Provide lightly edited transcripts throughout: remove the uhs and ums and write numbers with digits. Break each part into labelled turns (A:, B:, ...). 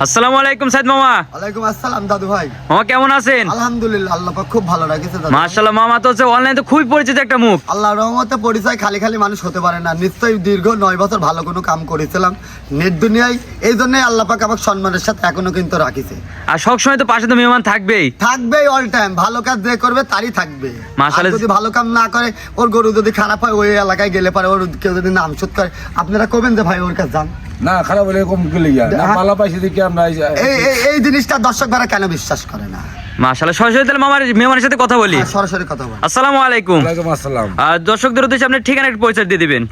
A: আসসালামু আলাইকুম সাইদ মামা।
B: ওয়ালাইকুম আসসালাম দাদু ভাই।
A: মামা কেমন আছেন?
B: আলহামদুলিল্লাহ, আল্লাহ পাক খুব ভালো রাখেছে দাদু।
A: মাশাআল্লাহ, মামা তো হচ্ছে অনলাইনে তো খুবই পরিচিত একটা মুখ।
B: আল্লাহর রহমতে পরিচয় খালি খালি মানুষ হতে পারে না। নিশ্চয়ই দীর্ঘ 9 বছর ভালো কোনো কাম করেছিলাম নেট দুনিয়ায়, এই জন্যই আল্লাহ পাক আমাকে সম্মানের সাথে এখনো কিন্তু রাখিছে।
A: আর সবসময় তো পাশে তো মেহমান থাকবেই।
B: থাকবেই অল টাইম, ভালো কাজ যে করবে তারই থাকবে।
A: মাশাআল্লাহ।
B: আর যদি ভালো কাম না করে, ওর গরু যদি খারাপ হয়, ওই এলাকায় গেলে পারে ওর কেউ যদি নাম শুট করে, আপনারা কবেন যে ভাই ওর কাছে যান
C: না, খারাপ হলে কম গেলে না পালা পাইছে দেখি আমরা
B: এই জিনিসটা দর্শক ভাড়া কেন বিশ্বাস করে না?
A: মাশাআল্লাহ, সরাসরি তাহলে মামার মেহমানের সাথে কথা বলি।
B: সরাসরি কথা বল।
A: আসসালামু আলাইকুম।
C: ওয়ালাইকুম আসসালাম।
A: আর দর্শকদের উদ্দেশ্যে আপনি ঠিকানা একটু পরিচয় দিয়ে দিবেন।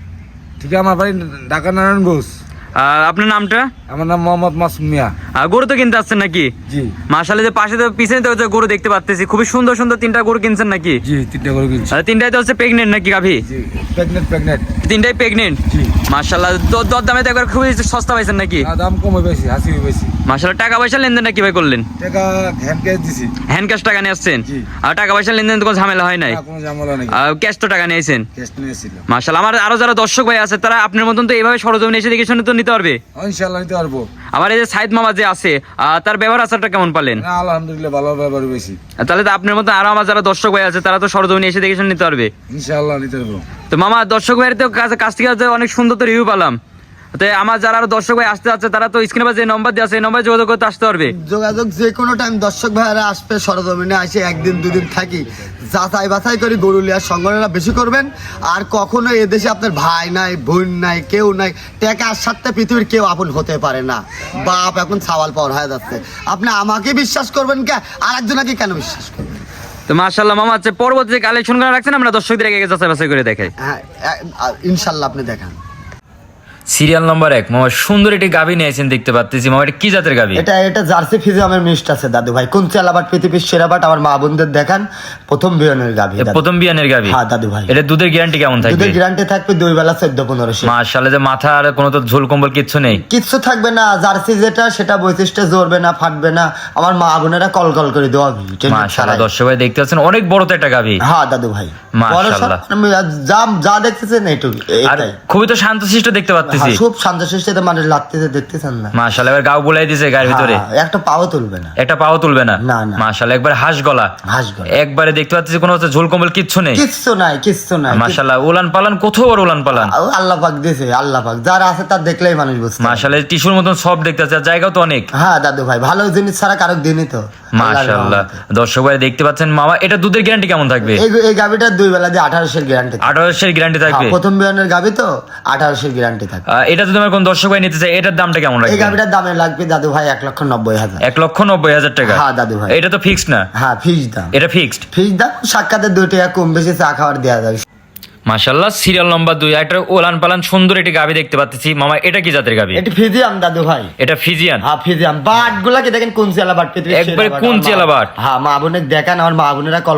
C: ঠিক আছে, আমার বাড়ি ঢাকা নারায়ণগঞ্জ।
A: আর আপনার নামটা?
C: আমার নাম মোহাম্মদ মাসুম মিয়া।
A: আর গরু তো কিনতে আসছেন নাকি?
C: জি
A: মাশাআল্লাহ, যে পাশে তো পিছনে তো হচ্ছে গরু দেখতে পাচ্তেছি, খুবই সুন্দর সুন্দর 3টা গরু কিনছেন নাকি?
C: জি, 3টা করে কিনছি।
A: আর 3টাই তো হচ্ছে প্রেগনেন্ট নাকি গাভী?
C: জি, প্রেগনেন্ট।
A: 3টাই প্রেগনেন্ট।
C: জি।
A: মাশাআল্লাহ, দর দামে তো একবার খুবই সস্তা পাইছেন নাকি?
C: না, দাম কম হয়েছে, হাসি হয়েছে।
A: মাশাআল্লাহ, টাকা পয়সা লেনদেন নাকি ভাই করলেন?
C: টাকা হ্যান্ড ক্যাশ দিছি।
A: হ্যান্ড ক্যাশ টাকা নিয়ে আসছেন?
C: জি।
A: আর টাকা পয়সা লেনদেন তো কোনো ঝামেলা হয় নাই?
C: না, কোনো ঝামেলা নেই।
A: আর ক্যাশ তো টাকা নিয়েছেন?
C: ক্যাশ নিয়েছিল।
A: মাশাআল্লাহ, আমার আরো যারা দর্শক ভাই আছে তারা আপনার মতন তো এইভাবে সরজমিনে এসে দেখে শুনে তো নিতে পারবে।
C: ইনশাআল্লাহ নিতে পারবো।
A: আবার এই যে সাইদ মামা যে আছে, তার ব্যবহার আচারটা কেমন পালেন?
C: না, আলহামদুলিল্লাহ ভালো ব্যবহার বেশি।
A: তাহলে তো আপনার মতো আরো আমার যারা দর্শক ভাই আছে তারা তো সরজমিনে এসে দেখে শুনে নিতে পারবে।
C: ইনশাআল্লাহ নিতে পারবো।
A: তো মামা, দর্শক ভাইয়ের তো কাছ থেকে হচ্ছে অনেক সুন্দর তো রিভিউ পেলাম। তো আমার যারা আরো দর্শক ভাই আসতে যাচ্ছে তারা তো স্ক্রিনে যে নম্বর দেওয়া আছে এই নম্বরে যোগাযোগ করতে আসতে পারবে।
B: যোগাযোগ যে কোনো টাইম দর্শক ভাইয়ারা আসবে, সরজমিনে আসে একদিন দুদিন থাকি, যাচাই বাছাই করে গরু লিয়ার সংগ্রহটা বেশি করবেন। আর কখনো এদেশে আপনার ভাই নাই, বোন নাই, কেউ নাই, টাকার সাথে পৃথিবীর কেউ আপন হতে পারে না। বাপ এখন সাওয়াল পাওয়ার হয়ে যাচ্ছে। আপনি আমাকে বিশ্বাস করবেন কে, আর একজনকে কেন বিশ্বাস করবেন?
A: তো মাশাআল্লাহ মামা, হচ্ছে পরবর্তী যে কালেকশন করে রাখছেন আমরা দর্শকদের আগে যাচাই বাছাই করে দেখাই।
B: হ্যাঁ, ইনশাল্লাহ আপনি দেখান।
A: সিরিয়াল নম্বর 1 মামা, সুন্দর একটি গাভী নিয়েছেন দেখতে পাচ্ছি। মামা, এটা কি জাতের গাভী?
B: এটা জার্সি ফিজিয়ামের মিষ্ট আছে দাদু ভাই। কোন চালাবাট পৃথিবীর সেরা বাট আমার মা বোনদের দেখান। প্রথম বিয়ানের গাভী,
A: প্রথম বিয়ানের গাভী।
B: হ্যাঁ দাদু ভাই।
A: এটা দুধের গ্যারান্টি কেমন থাকবে?
B: দুধের গ্যারান্টি থাকবে 2 বেলা 14-15।
A: মাশাআল্লাহ, যে মাথা আর কোনো তো ঝোল কম্বল কিচ্ছু নেই?
B: কিচ্ছু থাকবে না। জার্সি যেটা সেটা বৈশিষ্ট্য জড়বে না, ফাটবে না। আমার মা বোনেরা কল করে দেওয়া।
A: মাশাআল্লাহ, দর্শক ভাই দেখতে পাচ্ছেন অনেক বড় তো একটা গাভী।
B: হ্যাঁ দাদু ভাই,
A: মাশাআল্লাহ।
B: যা দেখতেছেন এইটুকু,
A: আর
B: এটাই।
A: খুবই তো শান্তশিষ্ট দেখতে পাচ্ছি।
B: খুব শান্তশিষ্টতে মানে লাগতেছে, দেখতেছেন না?
A: মাশাআল্লাহ, এবার গাও বুলাই দিয়েছে গায়ের ভিতরে।
B: একটা পাও তুলবে না,
A: একটা পাও তুলবে না।
B: না, না।
A: মাশাআল্লাহ, একবার হাঁস গলা। একবারে দেখতে পাচ্ছি কোনো হচ্ছে ঝোল কম্বল কিচ্ছু নেই।
B: কিচ্ছু নাই।
A: মাশাআল্লাহ, উলান পালান কত বড় উলান পালান।
B: আল্লাহ পাক দিয়েছে, আল্লাহ পাক যারা আছে তার দেখলেই মানুষ বুঝতে পারে।
A: মাশাআল্লাহ, টিস্যুর মতন সব দেখতে পাচ্ছি, আর জায়গাও তো অনেক।
B: হ্যাঁ দাদু ভাই, ভালো জিনিস ছাড়া কারো দিনই তো।
A: মাশাআল্লাহ, দর্শক ভাই দেখতে পাচ্ছেন মামা, এটা দুধের গ্যারান্টি কেমন থাকবে?
B: এই গাভিটা 2 বেলা দিয়ে 1800 গ্যারান্টি।
A: 1800 গ্যারান্টি থাকবে?
B: প্রথম বিয়ানের গাভি তো 1800 গ্যারান্টি থাকবে।
A: এটা যদি আমার কোন দর্শক ভাই নিতে চাই, এটার দামটা কেমন
B: এই
A: লাগবে?
B: গাভিটার দামে লাগবে দাদু ভাই 1,90,000।
A: 1,90,000 টাকা?
B: হ্যাঁ দাদু ভাই।
A: এটা তো ফিক্সড না?
B: হ্যাঁ, ফিক্সড দাম।
A: এটা ফিক্সড?
B: ফিক্সড দাম, সাক্ষাতের 2 টাকা কম বেশি চা খাওয়ার দেওয়া যাবে।
A: মাশাআল্লাহ, সিরিয়াল নম্বর 2 একটা ওলান পালান সুন্দর একটি গাভী দেখতে পাচ্ছি। মামা, এটা কি জাতের গাভী?
B: এটা ফিজিয়াম দাদু ভাই।
A: এটা ফিজিয়ান?
B: হ্যাঁ ফিজিয়াম। বাটগুলা কি দেখেন, কোন চেলা বাট পৃথিবীর সেরা
A: একবারে
B: বাট।
A: কোন চেলা বাট?
B: হ্যাঁ, মা বোনের দেখান, আমার মা বোনেরা কল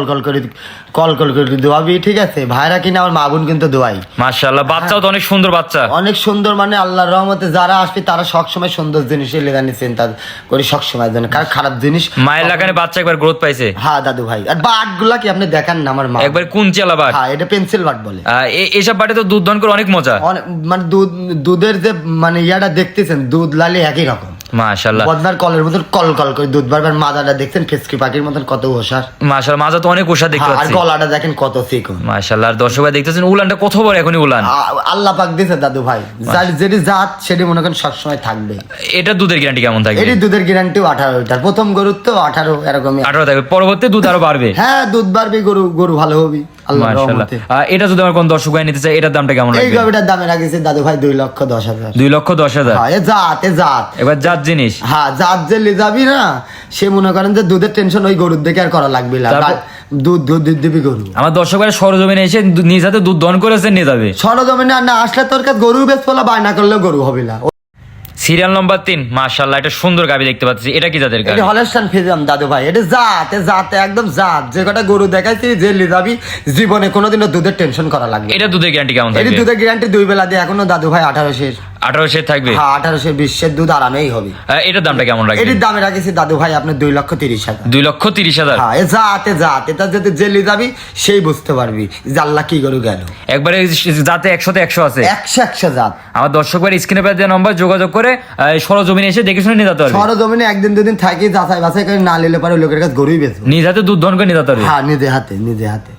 B: করে দোয়াবি, ঠিক আছে? ভাইরা কিনা আমার মা বোন কিন্তু দোয়াই।
A: মাশাআল্লাহ, বাচ্চাও তো অনেক সুন্দর বাচ্চা।
B: অনেক সুন্দর, মানে আল্লাহর রহমতে যারা আসবে তারা সবসময় সুন্দর জিনিসের লেগানি চিন্তা করি সবসময়, যেন কারণ খারাপ জিনিস।
A: মায়ের লাগানে বাচ্চা একবার গ্রোথ পাইছে।
B: হ্যাঁ দাদু ভাই। আর বাটগুলা কি আপনি দেখান না আমার মা?
A: একবার কোন চেলা বাট?
B: হ্যাঁ, এটা পেন্সিল বাট বলে।
A: এসব বাটে তো দুধ দহন করে অনেক মজা।
B: মানে দুধের যে মানে ইয়াটা দেখতেছেন, দুধ লালি একই রকম।
A: মাশাআল্লাহ,
B: বদনার কলের মতন কল করে দুধ বারবার। মাজাটা দেখছেন ফেসকি পাখির মতন কত ওষার।
A: মাশাআল্লাহ, মাজা তো অনেক ওষা দেখতে
B: আর
A: পাচ্ছি।
B: গলাটা দেখেন কত চিকন।
A: মাশাআল্লাহ, আর দর্শক ভাই দেখতেছেন উলানটা কত বড় এখনই উলান।
B: আল্লাহ পাক দিয়েছে দাদু ভাই। যেটি জাত সেটি মনে করেন সবসময় থাকবে।
A: এটা দুধের গ্যারান্টি কেমন থাকবে?
B: এটি দুধের গ্যারান্টিও 18 প্রথম গরুর তো 18 এরকমই।
A: 18 থাকবে, পরবর্তী দুধ আরো বাড়বে।
B: হ্যাঁ, দুধ বাড়বে, গরু ভালো হবে আল্লাহর
A: মাশাআল্লাহ।
B: রহমতে।
A: এটা যদি আমার কোন দর্শক ভাই নিতে চাই, এটার দামটা কেমন
B: এই
A: লাগবে?
B: গাভিটার দামে রাখিছে দাদু ভাই 2,10,000।
A: 2,10,000?
B: হ্যাঁ, এ জাত।
A: এবার জাত জিনিস।
B: হ্যাঁ, জাত যে লে যাবি না, সে মনে করেন যে দুধের টেনশন ওই গরুর দেখে আর করা লাগবে না। দুধ দিবি গরু।
A: আমার দর্শক ভাই সরজমিনে এসে নিজ হাতে দুধ দহন করেছে নিয়ে যাবে।
B: সরজমিনে না আসলে তোর কাছে গরু বেশ বলা বায়না করলেও গরু হবে না।
A: সিরিয়াল নম্বর 3 মাশাআল্লাহ, এটা সুন্দর গাভী দেখতে পাচ্ছি। এটা কি জাতের গাভী?
B: এটা হলস্টাইন ফিজিয়াম দাদু ভাই। এটা জাত একদম জাত। যে কটা গরু দেখাইছি যে লে যাবি, জীবনে কোনোদিনও দুধের টেনশন করা লাগবে।
A: এটা দুধের গ্যারান্টি কেমন
B: এটা
A: থাকবে?
B: দুধের গ্যারান্টি 2 বেলা দিয়ে এখনো দাদু ভাই 1800।
A: 18 থাকবে।
B: হ্যাঁ 1820 দুধ আরামেই হবে।
A: এটার দামটা কেমন রাখবেন?
B: এটির দামে রাখেছি দাদু ভাই আপনার 2,30,000।
A: 2,30,000।
B: হ্যাঁ যাতে এটা যদি জেলি যাবি সেই বুঝতে পারবি যে আল্লাহ কি গরু গেল।
A: একবারে যাতে 100তে 100 আছে।
B: 100 জাত।
A: আমার দর্শক ভাই স্ক্রিনে পে দেওয়া নম্বর যোগাযোগ করে সরজমিনে এসে দেখে শুনে নিয়ে যেতে পারবে।
B: সরজমিনে একদিন দুদিন থাকি যাচাই বাছাই করে না নিলে পারে লোকের কাছে গরুই বেচবো।
A: নিজ হাতে দুধ দহন করে নিয়ে যেতে পারবে।
B: হ্যাঁ নিজে হাতে।